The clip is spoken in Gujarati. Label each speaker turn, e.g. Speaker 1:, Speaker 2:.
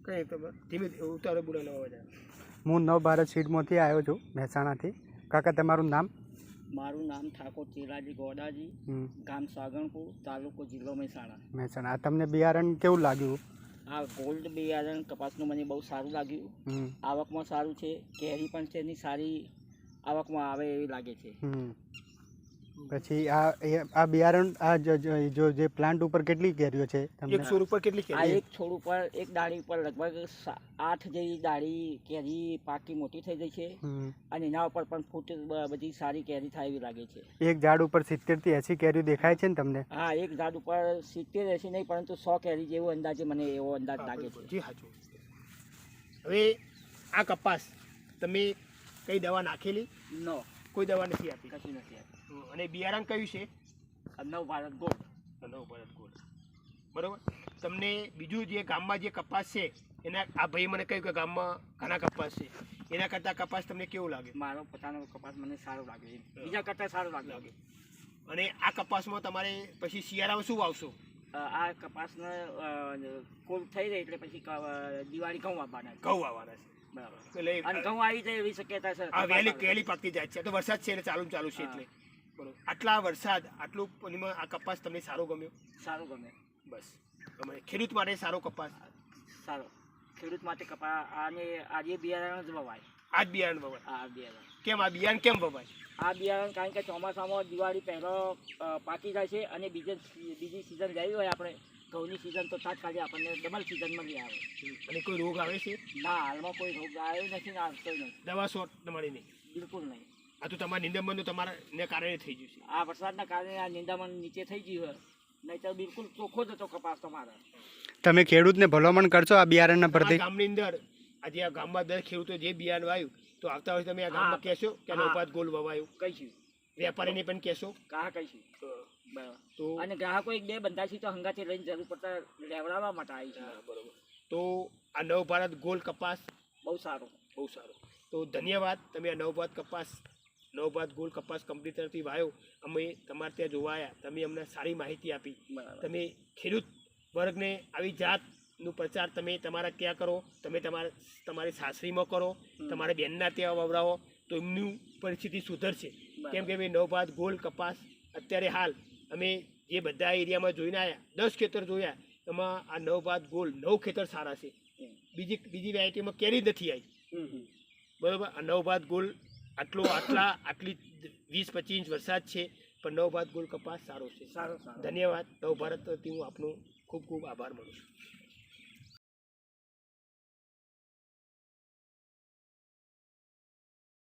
Speaker 1: કંઈ તમે ધીમે ઉતારો બોલાનો અવાજ આવે.
Speaker 2: હું નવભારત સીડમાંથી આવ્યો છું, મહેસાણાથી. કાકા, તમારું નામ?
Speaker 3: મારું નામ ઠાકોર ચેલાજી ગોડાજી, ગામ સાગણપુર, તાલુકો જિલ્લો
Speaker 2: મહેસાણા. તમને બિયારણ કેવું લાગ્યું?
Speaker 3: આ ગોલ્ડ બિયારણ કપાસનું મને બહુ સારું લાગ્યું. આવકમાં સારું છે, કેરી પણ છે એની સારી આવકમાં આવે એવી લાગે છે.
Speaker 2: પછી આ બિયારણ જો જે પ્લાન્ટ ઉપર કેટલી કેરીઓ છે?
Speaker 1: એક છોડ ઉપર કેટલી
Speaker 3: આ
Speaker 1: કેરી?
Speaker 3: એક છોડ ઉપર એક ડાળી ઉપર લગભગ 8 જેવી ડાળી કેરી પાકી મોટી થઈ ગઈ છે અને એના ઉપર પણ ફૂટ બધી સારી કેરી થાય એવી લાગે છે.
Speaker 2: એક ઝાડ ઉપર 70 થી 80 કેરીઓ દેખાય છે ને તમને?
Speaker 3: હા, એક ઝાડ ઉપર 70 80 નહીં પરંતુ 100 કેરી જેવો અંદાજે મને એવો અંદાજ લાગે છે.
Speaker 1: જી સાચું. હવે આ કપાસ તમે કઈ દવા નાખેલી?
Speaker 3: નો,
Speaker 1: કોઈ દવા નથી આપી?
Speaker 3: કશું નથી આપી.
Speaker 1: અને બિયારણ કયું છે?
Speaker 3: નવભારત ગોલ્ડ.
Speaker 1: નવભારત ગોલ્ડ, બરોબર. તમને બીજું જે ગામમાં જે કપાસ છે એના આ ભાઈ મને કહ્યું કે ગામમાં ઘણા કપાસ છે, એના કરતાં કપાસ તમને કેવું લાગે?
Speaker 3: મારો પોતાનો કપાસ મને સારો લાગે, બીજા કરતાં સારો લાગે.
Speaker 1: અને આ કપાસમાં તમારે પછી શિયાળામાં શું વાવશો?
Speaker 3: આ કપાસને ફૂલ થઈ રહી એટલે પછી દિવાળી ઘઉં વાવવાના.
Speaker 1: ઘઉં વાવવાના છે, બરાબર. એટલે
Speaker 3: અને ઘઉં આવી જાય એવી શક્યતા છે.
Speaker 1: આ વહેલી પાકતી જાય છે, તો વરસાદ છે એટલે ચાલુ છે એટલે બરોબર. આટલા વરસાદ આટલું પાણીમાં આ કપાસ તમને સારો ગમ્યો?
Speaker 3: સારું ગમે.
Speaker 1: બસ, ગમે. ખેડૂત માટે સારો કપાસ
Speaker 3: સારો. ખેડૂત માટે કપાસ અને આજે બિયારણ જ વવાય.
Speaker 1: આ જ બિયારણ વવાય?
Speaker 3: આ બિયારણ.
Speaker 1: કેમ આ બિયારણ કેમ વવાય?
Speaker 3: આ બિયારણ કારણ કે ચોમાસામાં દિવાળી પહેલો પાકી જાય છે અને બીજી સિઝન જઈ હોય આપણે ઘઉંની સિઝન તો તાત્કાલિક આપણને ડબલ સિઝન મળી આવે.
Speaker 1: અને કોઈ રોગ આવે છે?
Speaker 3: ના, હાલમાં કોઈ રોગ આવ્યો નથી ને આવતો નહીં.
Speaker 1: દવા શોટ તમારી નહીં?
Speaker 3: બિલકુલ નહીં.
Speaker 1: આ તો તમારા નિંદામણ તમારા કારણે થઈ ગયું છે.
Speaker 3: આ વરસાદના કારણે આ નિંદામણ નીચે થઈ ગયું હોય, નહીં તો બિલકુલ ચોખ્ખો જ હતો કપાસ તમારા.
Speaker 2: તમે ખેડૂતને ભલામણ કરશો આ બિયારણના પ્રતિ?
Speaker 1: ગામની અંદર આજે આ ગામમાં દર ખેડૂતો જે બિયારણ વાવ્યું તો આવતા વર્ષે તમે આ ગામમાં કહેશો કે નવભારત ગોલ્ડ વવાયું?
Speaker 3: કહીશું.
Speaker 1: વેપારીને પણ કહેશો?
Speaker 3: કહીશું. બરાબર.
Speaker 1: તો
Speaker 3: અને ગ્રાહકો એક બે બંધા છે તો હંગાથી લઈને જરૂર પડતા લેવડાવવા માટે આવી છે.
Speaker 1: બરોબર. તો આ નવભારત ગોલ્ડ કપાસ
Speaker 3: બહુ સારો,
Speaker 1: બહુ સારો. તો ધન્યવાદ. તમે આ નવભારત ગોલ્ડ કપાસ કંપની તરફથી વાવ્યો, અમે તમારે ત્યાં જોવા આવ્યા, તમે અમને સારી માહિતી આપી. તમે ખેડૂત વર્ગને આવી જાતનું પ્રચાર તમે તમારા ત્યાં કરો, તમે તમારી સાસરીમાં કરો, તમારા બેનના ત્યાં વવડાવો તો એમની પરિસ્થિતિ સુધરશે. કેમ કે નવભારત ગોલ્ડ કપાસ અત્યારે હાલ અમે જે બધા એરિયામાં જોઈને આવ્યા, 10 ખેતર જોયા, એમાં આ નવભારત ગોલ્ડ 9 ખેતર સારા છે. બીજી વેરાયટીમાં કેરી નથી આવી, બરોબર. આ નવભારત ગોલ્ડ આટલી 20-25 ઇંચ વરસાદ છે પણ નવભારત ગોલ્ડ કપાસ સારો છે. ધન્યવાદ. નવભારતથી હું આપનો ખૂબ ખૂબ આભાર માનું છું.